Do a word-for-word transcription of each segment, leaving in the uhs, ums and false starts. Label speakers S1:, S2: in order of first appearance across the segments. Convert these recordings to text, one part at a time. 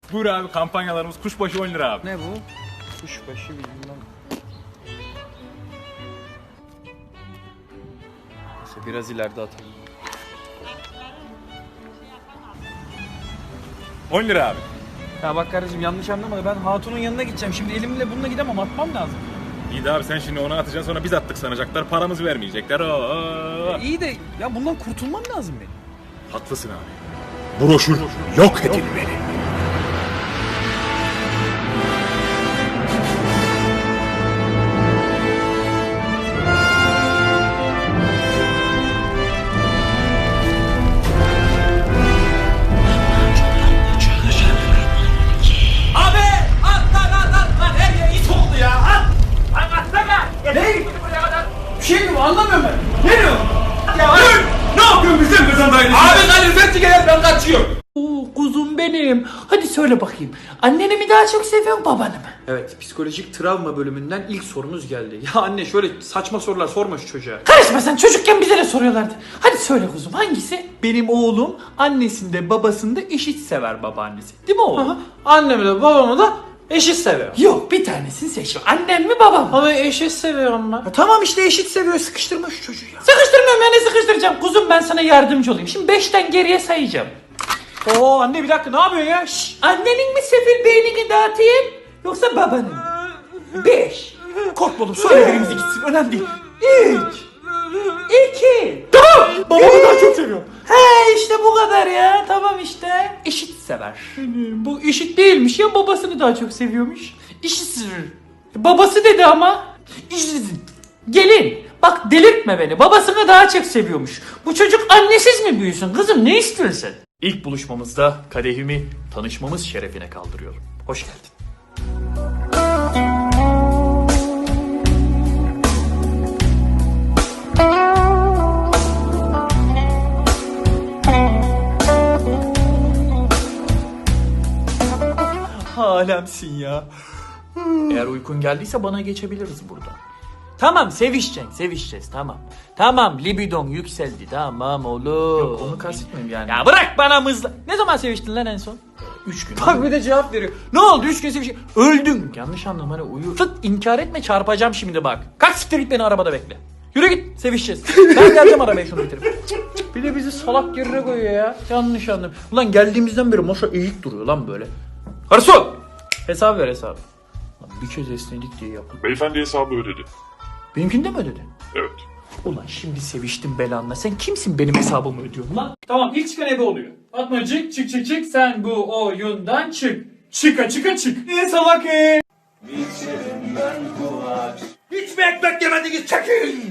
S1: Buyur abi, kampanyalarımız kuşbaşı on lira abi.
S2: Ne bu? Kuşbaşı bilmem. Neyse biraz ileride atalım.
S1: on lira abi.
S2: Ya bak kardeşim yanlış anlama da ben hatunun yanına gideceğim. Şimdi elimle bununla gidemem, atmam lazım.
S1: İyi de abi sen şimdi onu atacaksın, sonra biz attık sanacaklar, paramızı vermeyecekler. Oo.
S2: E, iyi de ya bundan kurtulmam lazım benim.
S1: Haklısın abi. Broşür yok edilmeli.
S2: Anlamıyorum ben. Ne diyor? Ya dur! Ne yapıyorsun bizim kızın dayını?
S3: Abi kaloriferci gel, ben kaçıyorum.
S4: Oo, kuzum benim. Hadi söyle bakayım. Anneni mi daha çok seviyorsun, babanı mı?
S2: Evet, psikolojik travma bölümünden ilk sorumuz geldi. Ya anne şöyle saçma sorular sorma şu çocuğa.
S4: Karışma sen, çocukken bize de soruyorlardı. Hadi söyle kuzum, hangisi?
S3: Benim oğlum annesinde babasında eşit sever babaannesi. Değil mi oğlum?
S2: Aha, annemi de babamı da eşit seviyor.
S4: Yok, bir tanesini seç. Annem mi babam mı?
S2: Ama eşit seviyorum ben.
S3: Ya tamam işte eşit seviyor, sıkıştırma şu çocuğu ya.
S4: Sıkıştırmıyorum ya, ne sıkıştıracağım? Kuzum ben sana yardımcı olayım. Şimdi beşten geriye sayacağım.
S2: Oo anne bir dakika ne yapıyorsun ya? Şşş.
S4: Annenin mi sefil beynini dağıtayım yoksa babanın mı? Beş.
S2: Korkma oğlum söyle birimizi gitsin önemli değil.
S4: Üç. İki.
S2: Babamı daha çok seviyorum.
S4: He işte bu kadar ya. Tamam işte. Eşit sever. Bu eşit değilmiş ya, babasını daha çok seviyormuş. Eşit sever. Babası dedi ama. Eşit. Gelin. Bak delirtme beni. Babasını daha çok seviyormuş. Bu çocuk annesiz mi büyüsün kızım, ne istiyorsun?
S3: İlk buluşmamızda kadehimi tanışmamız şerefine kaldırıyorum. Hoş geldin. Alemsin ya. Eğer uykun geldiyse bana geçebiliriz burada.
S4: Tamam sevişeceksin, sevişeceğiz tamam. Tamam libidon yükseldi tamam oğlum.
S3: Yok onu kastetmiyorum yani.
S4: Ya bırak bana mızla. Ne zaman seviştin lan en son?
S3: Üç gün.
S2: Bak bir de cevap veriyor.
S4: Ne oldu üç gün seviştin? Öldün. Yanlış anlama, hani uyu. Fıt inkar etme, çarpacağım şimdi bak. Kalk siktir git, beni arabada bekle. Yürü git, sevişeceğiz. Ben geleceğim arabaya şunu bitirip.
S2: Bir de bizi salak yerine koyuyor ya.
S4: Yanlış anladım. Ulan geldiğimizden beri masa eğik duruyor lan böyle. Garson! Hesap ver hesabı. Lan bir kez esnedik diye yapın.
S5: Beyefendi hesabı ödedi.
S4: Benimkini de mi ödedin?
S5: Evet.
S4: Ulan şimdi seviştim belanla. Sen kimsin benim hesabımı ödüyorsun lan?
S3: Tamam ilk çıkan ebe oluyor. Fatmacık çık çık çık sen bu oyundan çık. Çıka çıka çık. Ne salak e? Hiç mi ekmek yemediniz, çekin.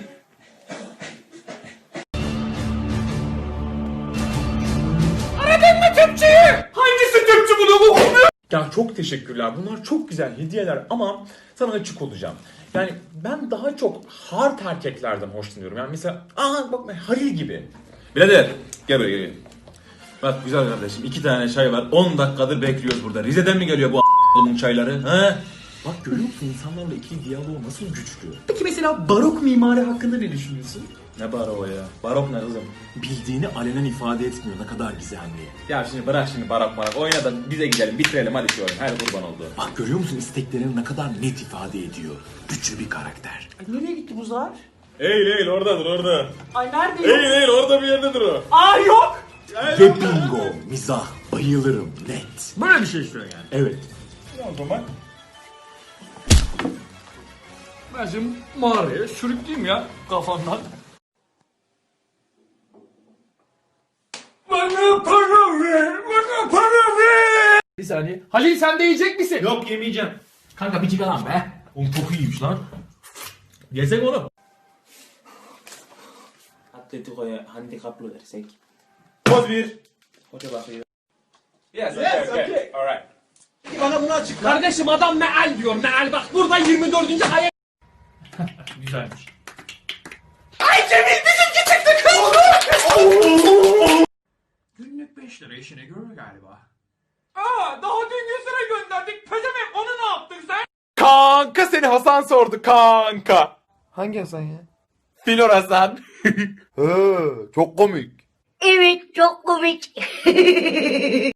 S3: Aradın mı tüpçüyü? Hangisi tüpçü bunu bu?
S1: Ya çok teşekkürler. Bunlar çok güzel hediyeler ama sana açık olacağım. Yani ben daha çok hard erkeklerden hoşlanıyorum. Yani mesela aa bak Halil gibi. Birader gel buraya gel. Bak güzel kardeşim, iki tane çay var. on dakikadır bekliyoruz burada. Rize'den mi geliyor bu a**lımun çayları? He? Bak görüyor musun, insanlarla ikili diyaloğu nasıl güçlü?
S3: Peki mesela barok mimari hakkında ne düşünüyorsun?
S1: Ne barok ya? Barok ne kızım?
S6: Bildiğini alenen ifade etmiyor, ne kadar gizemli.
S1: Ya şimdi bırak şimdi barok barok. Oyna da bize gidelim, bitirelim hadi şu oyunu. Hadi kurban oldu.
S6: Bak görüyor musun, isteklerini ne kadar net ifade ediyor. Güçlü bir karakter.
S4: Ay nereye gitti bu zar?
S1: Eğil eğil, oradadır orada.
S4: Ay nerede?
S1: Eğil eğil, orada bir yerdedir o.
S4: Aa yok.
S6: Ve bingo, mizah, bayılırım, net.
S1: Böyle bir şey istiyorsun yani.
S6: Evet.
S1: O zaman
S3: Ben şimdi mağaraya sürükleyeyim ya kafandan. Bana para ver, bana para ver. Bir saniye. Halil sen de yiyecek misin?
S1: yok, yemeyeceğim.
S3: Kanka bir çıkar lan be.
S1: Oğlum çok iyiymiş lan. Yesek onu.
S4: Atletico'ya handikaplı versek.
S1: Poz bir.
S4: Hoca bakıyor.
S1: Yes, yes, okay, okay. Alright.
S2: Bana bunu açıkla.
S3: Kardeşim adam meal diyor meal, bak burada yirmi dördüncü ayet. Güzelmiş. Ay Cemil bizimki çıktı kız. Günlük beş lira işine görür galiba. Aa daha dün yüz lira gönderdik. Pezevenk onu ne yaptın sen?
S7: Kanka seni Hasan sordu kanka.
S2: Hangi Hasan ya?
S7: Filor Hasan.
S8: He, çok komik.
S9: Evet çok komik.